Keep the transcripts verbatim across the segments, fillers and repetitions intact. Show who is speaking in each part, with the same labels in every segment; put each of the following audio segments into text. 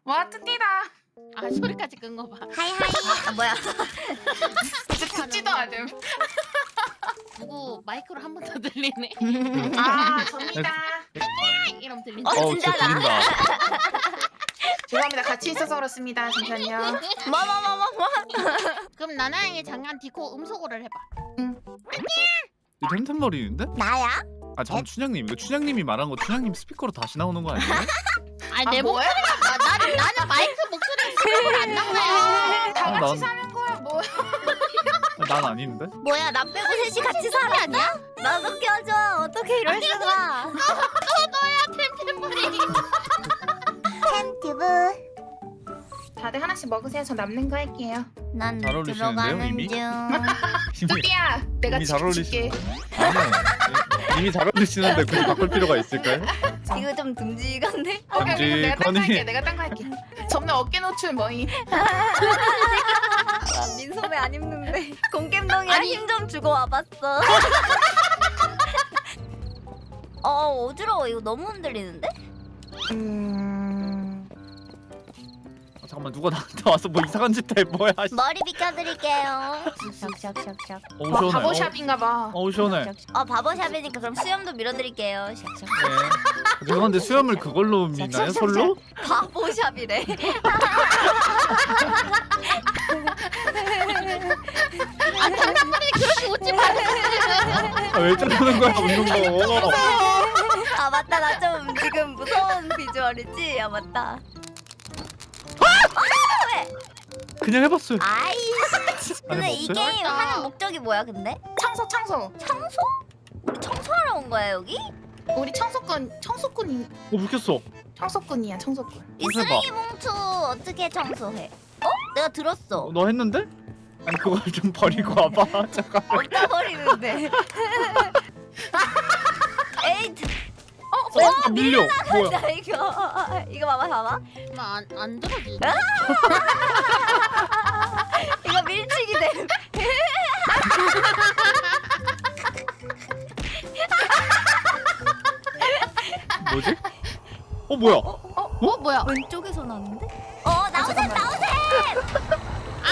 Speaker 1: 와 뜯디다.
Speaker 2: 아 소리까지 끈 거 봐.
Speaker 3: 하이하이. 아, 뭐야?
Speaker 1: 이제 듣지도 않음.
Speaker 2: 누구 마이크로 한 번 더 들리네.
Speaker 1: 아 접니다.
Speaker 2: 이러면 들리네.
Speaker 3: 어,
Speaker 4: 어우 진짜
Speaker 3: 진짜다.
Speaker 4: 들린다.
Speaker 1: 죄송합니다. 같이 있어서 그렇습니다. 잠시만요.
Speaker 3: 뭐 뭐 뭐 뭐 뭐.
Speaker 2: 그럼 나나의 장난 디코 음소거를 해봐.
Speaker 4: 이 템템머리인데?
Speaker 3: 나야?
Speaker 4: 아 잠깐 춘향님 이거 춘향님이 말한 거 춘향님 스피커로 다시 나오는 거 아니에요?
Speaker 2: 아니 내
Speaker 1: 아, 뭐야?
Speaker 2: 목소리가 나, 나는 나는 마이크 목소리 스피커로 안 나와.
Speaker 1: 다
Speaker 4: 아,
Speaker 1: 같이
Speaker 4: 난-
Speaker 1: 사는 거야 뭐?
Speaker 4: 난 아닌데?
Speaker 3: 뭐야 나 빼고 셋이 같이 살아 아니야? 나도 껴줘. 어떻게 이럴 수가?
Speaker 2: 너야 템템머리.
Speaker 3: 템튜브.
Speaker 1: 다들 하나씩 먹으세요. 저 남는 거 할게요.
Speaker 3: 난
Speaker 4: 잘 어울리시는데요,
Speaker 3: 들어가는
Speaker 4: 이미?
Speaker 3: 중.
Speaker 4: 이미,
Speaker 1: 뚜띠야, 내가
Speaker 4: 이미 잘
Speaker 1: 지켜줄게.
Speaker 4: 어울리시는데 아니요 이미 잘 어울리시는데 굳이 바꿀 필요가 있을까요?
Speaker 3: 이거 좀 듬직한데?
Speaker 1: 오케이, 오케이, 내가 딴 거
Speaker 4: 건이.
Speaker 1: 할게. 내가 딴 거 할게. 접는 어깨 노출 뭐임?
Speaker 3: 나 민소매 안 입는데. 공겜동이랑
Speaker 2: 아니.
Speaker 3: 힘 좀 주고 와봤어. 어 어지러워. 이거 너무 흔들리는데?
Speaker 1: 음...
Speaker 4: 아, 잠깐만 누가 나한테 와서 뭐 이상한 짓 해 뭐야 씨.
Speaker 3: 머리 비켜드릴게요. 샥샥샥샥.
Speaker 4: 어우
Speaker 1: 와,
Speaker 4: 시원해
Speaker 1: 바보샵인가 봐.
Speaker 4: 어우 시원해
Speaker 3: 어 바보샵이니까 그럼 수염도 밀어드릴게요. 샥샥.
Speaker 4: 네. 죄송한데 수염을 그걸로 미나요? 솔로?
Speaker 3: 바보샵이래.
Speaker 2: 아 템템머리 그렇게 웃지 마.
Speaker 4: 아, 왜 저러는 거야 웃는 거
Speaker 3: 아 맞다 나 좀 지금 무서운 비주얼이지? 아 맞다.
Speaker 4: 그냥 해봤어요
Speaker 3: 아이씨. 근데 이
Speaker 4: 없어요?
Speaker 3: 게임 하는 목적이 뭐야 근데?
Speaker 1: 청소, 청소.
Speaker 3: 청소? 우리 청소하러 온 거야 여기?
Speaker 1: 우리 청소꾼, 청소꾼이,
Speaker 4: 어 불켰어
Speaker 1: 청소꾼이야, 청소꾼.
Speaker 3: 이
Speaker 4: 해봐.
Speaker 3: 쓰레기 봉투 어떻게 청소해? 어? 내가 들었어.
Speaker 4: 어, 너 했는데? 아니 그걸 좀 버리고 와봐 잠깐
Speaker 3: 어디다 버리는데? 에이
Speaker 4: 어? 밀려 뭐야
Speaker 3: 나 이거 이거 봐봐 봐봐.
Speaker 2: 안안 들어지.
Speaker 3: 이거 밀치기 돼.
Speaker 4: 뭐지? 어 뭐야
Speaker 2: 어 뭐야?
Speaker 3: 왼쪽에서 나는데? 어 나오셈
Speaker 1: 잠깐만.
Speaker 3: 나오셈.
Speaker 2: 아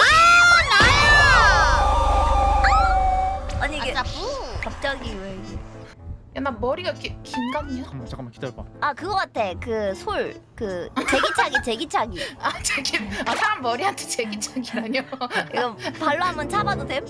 Speaker 2: 나야.
Speaker 3: 아니 이게
Speaker 2: 아싸부.
Speaker 3: 갑자기 왜 이게?
Speaker 1: 야, 나 머리가 기, 긴가냐?
Speaker 4: 잠깐만 잠깐만 기다려봐
Speaker 3: 아 그거 같아. 그 솔 그 제기차기 제기차기.
Speaker 1: 아, 저기, 아, 사람 머리한테 제기차기라뇨?
Speaker 3: 이거 발로 한번 차봐도 됨?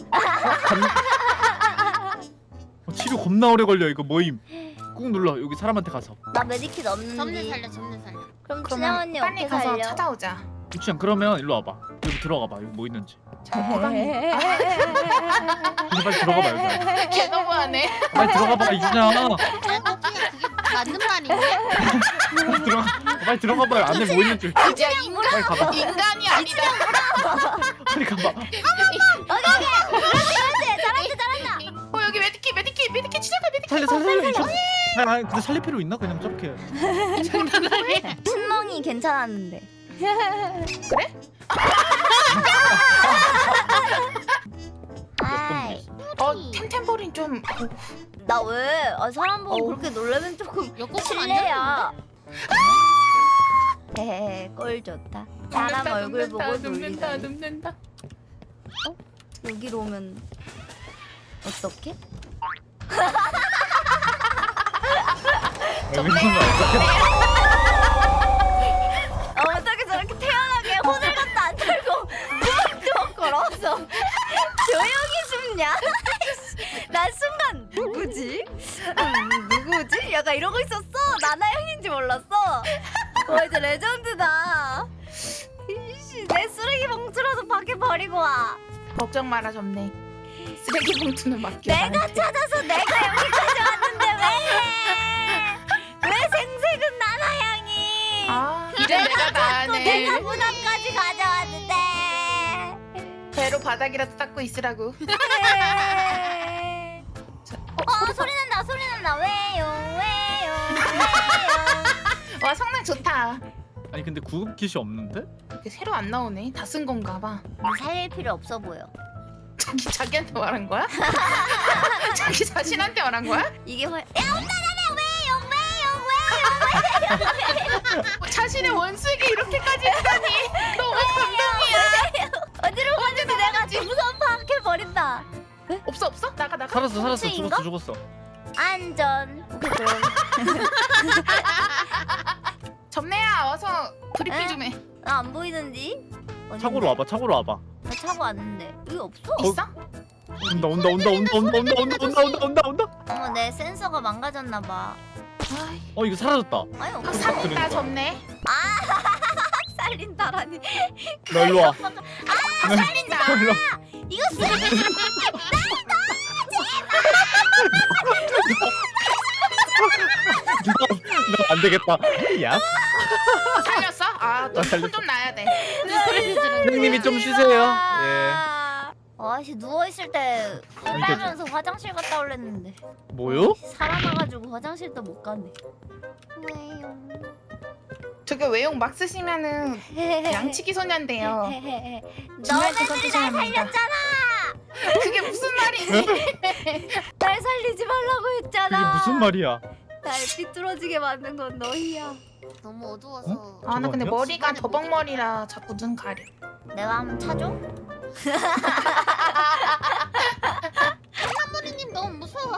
Speaker 4: 어, 치료 겁나 오래 걸려 이거 뭐임 꾹 눌러 여기 사람한테 가서
Speaker 3: 나 메디킷 없는데.
Speaker 2: 점내 살려 점내 살려.
Speaker 3: 그럼
Speaker 1: 그러면
Speaker 3: 춘향 언니
Speaker 1: 빨리
Speaker 3: 어떻게
Speaker 1: 가서
Speaker 3: 살려?
Speaker 1: 찾아오자.
Speaker 4: 유치양 그러면 일로 와봐 여기 들어가봐 여기 뭐 있는지
Speaker 1: 저 호감이.
Speaker 4: 근데 빨리 들어가봐 여기
Speaker 1: 걔 너무하네.
Speaker 4: 빨리 들어가봐 이준양
Speaker 2: 야 그게 그게 맞는 말이야?
Speaker 4: 빨리 들어가 빨리 들어가봐 안에 뭐 있는지
Speaker 1: 야, 인간,
Speaker 4: 빨리 가봐
Speaker 1: 인간이 아니다.
Speaker 4: 빨리 가봐
Speaker 3: 오케이 오케이. 그렇지 잘한다 잘한다.
Speaker 1: 어, 여기 메디키, 메디키, 메디키 시작해, 메디키.
Speaker 4: 살려 살려 살려 이준 아니 아니 근데 살릴 필요 있나 그냥 저렇게
Speaker 3: 신멍이 괜찮았는데.
Speaker 1: 그래?
Speaker 3: 아이
Speaker 1: 어, 템템버린 좀. 어,
Speaker 3: 나 왜? 아, 사람 보고
Speaker 1: 어우.
Speaker 3: 그렇게 놀라면 조금
Speaker 2: 역곡
Speaker 3: 실례야. 헤헤 꼴 좋다. 사람
Speaker 1: 눕는다,
Speaker 3: 얼굴
Speaker 1: 눕는다,
Speaker 3: 보고
Speaker 1: 눕는다,
Speaker 3: 놀리다니.
Speaker 1: 눕는다.
Speaker 3: 여기로 오면 어떡해?
Speaker 4: 여기 있는 거 어떡해
Speaker 3: 어, 어떻게 저렇게 태연하게 호들 같도 안 털고 뚝뚝 걸어서 조용히 숨냐? 난 순간 누구지? 음, 누구지? 약간 이러고 있었어. 나나 형인지 몰랐어. 와 이제 레전드다. 이씨 내 쓰레기 봉투라도 밖에 버리고 와.
Speaker 1: 걱정 마라, 점네. 쓰레기 봉투는 맡겨.
Speaker 3: 내가
Speaker 1: 나한테.
Speaker 3: 찾아서 내가 여기까지 왔는데 왜? 왜 생색은 나나 향이?
Speaker 1: 아, 이제 내가 다
Speaker 3: 또 내가
Speaker 1: 하네.
Speaker 3: 무덤까지 가져왔는데.
Speaker 1: 배로 바닥이라도 닦고 있으라고.
Speaker 3: 어 소리 난다 소리 난다 왜요 왜요 왜요.
Speaker 1: 와, 성능 좋다.
Speaker 4: 아니 근데 구급 킷이 없는데?
Speaker 1: 이게 새로 안 나오네. 다 쓴 건가 봐.
Speaker 3: 살릴 필요 없어 보여.
Speaker 1: 자기 자기한테 말한 거야? 자기 자신한테 말한 거야?
Speaker 3: 이게 훨. 야 온다 나네 왜요 왜요 왜요 왜요.
Speaker 1: 자신의 원수에게 이렇게까지 했다니 너무 감동이야.
Speaker 3: 어디로 가는지 내가 우선 파악해 버린다.
Speaker 1: 없어 없어 나가 나가.
Speaker 4: 살았어 살았어
Speaker 3: 삼층인가?
Speaker 4: 죽었어 죽었어.
Speaker 3: 안전. 오케이 그럼.
Speaker 1: 점내야 와서 브리핑
Speaker 3: 에?
Speaker 1: 좀 해.
Speaker 3: 나 안 보이는지? 어딘데?
Speaker 4: 차고로 와봐 차고로 와봐.
Speaker 3: 나 차고 왔는데 여기 없어?
Speaker 1: 있어?
Speaker 4: 온다 온다 온다 온다 온다 온다 온다 온다 온다 온다 온다.
Speaker 3: 어머 내 센서가 망가졌나 봐.
Speaker 1: 아이,
Speaker 4: 어 이거 사라졌다.
Speaker 3: 아니
Speaker 1: 아,
Speaker 3: 없어.
Speaker 1: 살린다
Speaker 4: 그러니까.
Speaker 1: 점내.
Speaker 3: 살린다라니.
Speaker 4: 너 일로 와.
Speaker 1: 아 살린다.
Speaker 4: 일로 와.
Speaker 3: 이거 쓰레기.
Speaker 4: 너안 되겠다. 야.
Speaker 1: 살렸어?
Speaker 4: 아, 살렸어.
Speaker 1: 아너손좀 놔야 돼.
Speaker 2: 소리 지르는
Speaker 4: 선생님이 좀 쉬세요. 예.
Speaker 3: 아씨 누워 있을 때 빨면서 화장실 갔다 올랬는데
Speaker 4: 뭐요?
Speaker 3: 살아나가지고 화장실도 못 갔네. 왜요?
Speaker 1: 저게 외용 막 쓰시면은 양치기 소년데요.
Speaker 3: 너네들이 날 살렸잖아.
Speaker 1: 그게 무슨 말이지?
Speaker 3: 날 살리지 말라고
Speaker 4: 그게
Speaker 3: 했잖아.
Speaker 4: 무슨 말이야?
Speaker 3: 날 삐뚤어지게 만든 건 너희야.
Speaker 2: 너무 어두워서.
Speaker 1: 아 나 근데
Speaker 4: 저거
Speaker 1: 머리가
Speaker 2: 아니야?
Speaker 1: 더벅머리라 자꾸 눈 가려.
Speaker 3: 내가 한번 차줘?
Speaker 2: 사모리님 너무 무서워.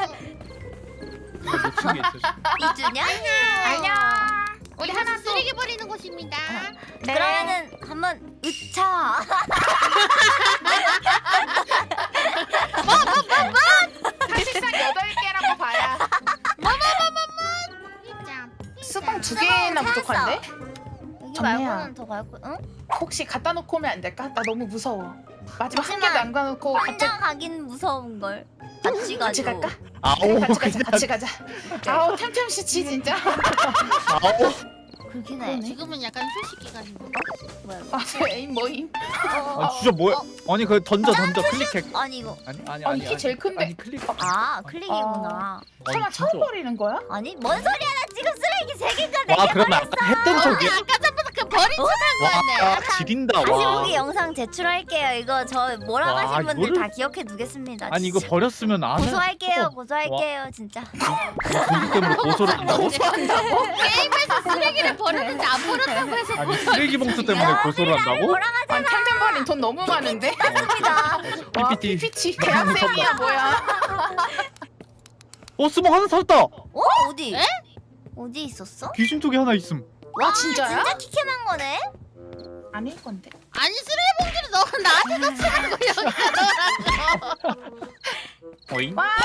Speaker 4: 이거 놓친 게 있어.
Speaker 3: 이주냐?
Speaker 1: 안녕.
Speaker 2: 우리 하나 쓰레기 버리는 곳입니다.
Speaker 1: 네.
Speaker 3: 그러면은 한번 으차.
Speaker 1: 사실상 여덟 개라고 봐야.
Speaker 2: 짱.
Speaker 1: 수봉 두 개나
Speaker 3: 찾았어.
Speaker 1: 부족한데?
Speaker 3: 여기
Speaker 1: 정리야.
Speaker 3: 말고는 더 갈고. 응?
Speaker 1: 혹시 갖다 놓고 오면 안 될까? 나 너무 무서워. 마지막 한
Speaker 3: 하지만
Speaker 1: 개도 안 가놓고
Speaker 3: 혼자
Speaker 1: 갑자기
Speaker 3: 가긴 무서운 걸. 같이 가죠.
Speaker 1: 같이 갈까?
Speaker 4: 아오
Speaker 1: 그래, 같이 가자.
Speaker 4: 그냥
Speaker 1: 같이 가자. 아우 템템씨치 진짜.
Speaker 4: 아오.
Speaker 3: 그렇긴 해.
Speaker 1: 그러네.
Speaker 2: 지금은 약간 휴식 기간인가?
Speaker 3: 뭐야? 이거.
Speaker 1: 아저 에임 뭐임?
Speaker 4: 아 진짜 뭐야? 아니 그 던져 던져 클릭해.
Speaker 3: 아니 이거.
Speaker 4: 아니 아니
Speaker 1: 아니,
Speaker 4: 아니.
Speaker 1: 키 제일 큰데.
Speaker 4: 아니 클릭.
Speaker 3: 아 클릭이구나.
Speaker 1: 설마
Speaker 4: 진짜.
Speaker 1: 처음 버리는 거야?
Speaker 3: 아니 뭔 소리야? 나 지금 쓰레기 세 개가
Speaker 4: 와
Speaker 3: 내게
Speaker 4: 그러면
Speaker 3: 버렸어.
Speaker 4: 아까 했던 적이야?
Speaker 2: 아까 전부터 그 버린 척한
Speaker 4: 와
Speaker 2: 거였네.
Speaker 4: 지린다
Speaker 3: 다시
Speaker 4: 와.
Speaker 3: 보기 영상 제출할게요. 이거 저 몰아가신
Speaker 4: 와,
Speaker 3: 분들
Speaker 4: 이거를-
Speaker 3: 다 기억해 두겠습니다.
Speaker 4: 아니 이거
Speaker 3: 진짜.
Speaker 4: 버렸으면 안 해.
Speaker 3: 고소할게요.
Speaker 4: 어,
Speaker 3: 고소할게요. 진짜.
Speaker 4: 공기 때문에 고소를 한다고?
Speaker 2: 게임에서 쓰레기를 버렸는데 안 버렸다고 해서
Speaker 4: 아니 쓰레기 봉투 때문에 고소를 한다고?
Speaker 3: 몰아가자.
Speaker 1: 아니 템템 버린 돈 너무 많은데? 와
Speaker 4: 피피티.
Speaker 1: 피피치 대학생이야 뭐야?
Speaker 4: 어 스모 하나 살았다.
Speaker 3: 어? 어디?
Speaker 2: 에?
Speaker 3: 어디 있었어?
Speaker 4: 귀신 쪽에 하나 있음.
Speaker 1: 와 진짜야?
Speaker 3: 진짜 키캠한 거네.
Speaker 1: 아닐 건데.
Speaker 2: 아니 쓰레기 봉지를 너 나한테 넣지 말고 여기다 넣으라고.
Speaker 4: 어잉?
Speaker 1: 와,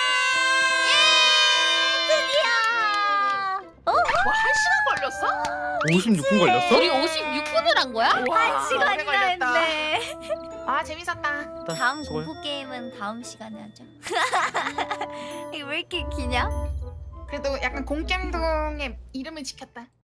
Speaker 3: 드디어. 어?
Speaker 1: 와 한 시간 걸렸어?
Speaker 4: 오십육 분 걸렸어?
Speaker 2: 우리 오십육 분을 한 거야?
Speaker 1: 와,
Speaker 3: 한 시간이나
Speaker 1: 오래 걸렸다.
Speaker 3: 했네.
Speaker 1: 아 재밌었다.
Speaker 3: 다음
Speaker 4: 수고해.
Speaker 3: 공포 게임은 다음 시간에 하죠. 이거 왜 이렇게 기냐?
Speaker 1: 그래도 약간 공겜동의 이름을 지켰다.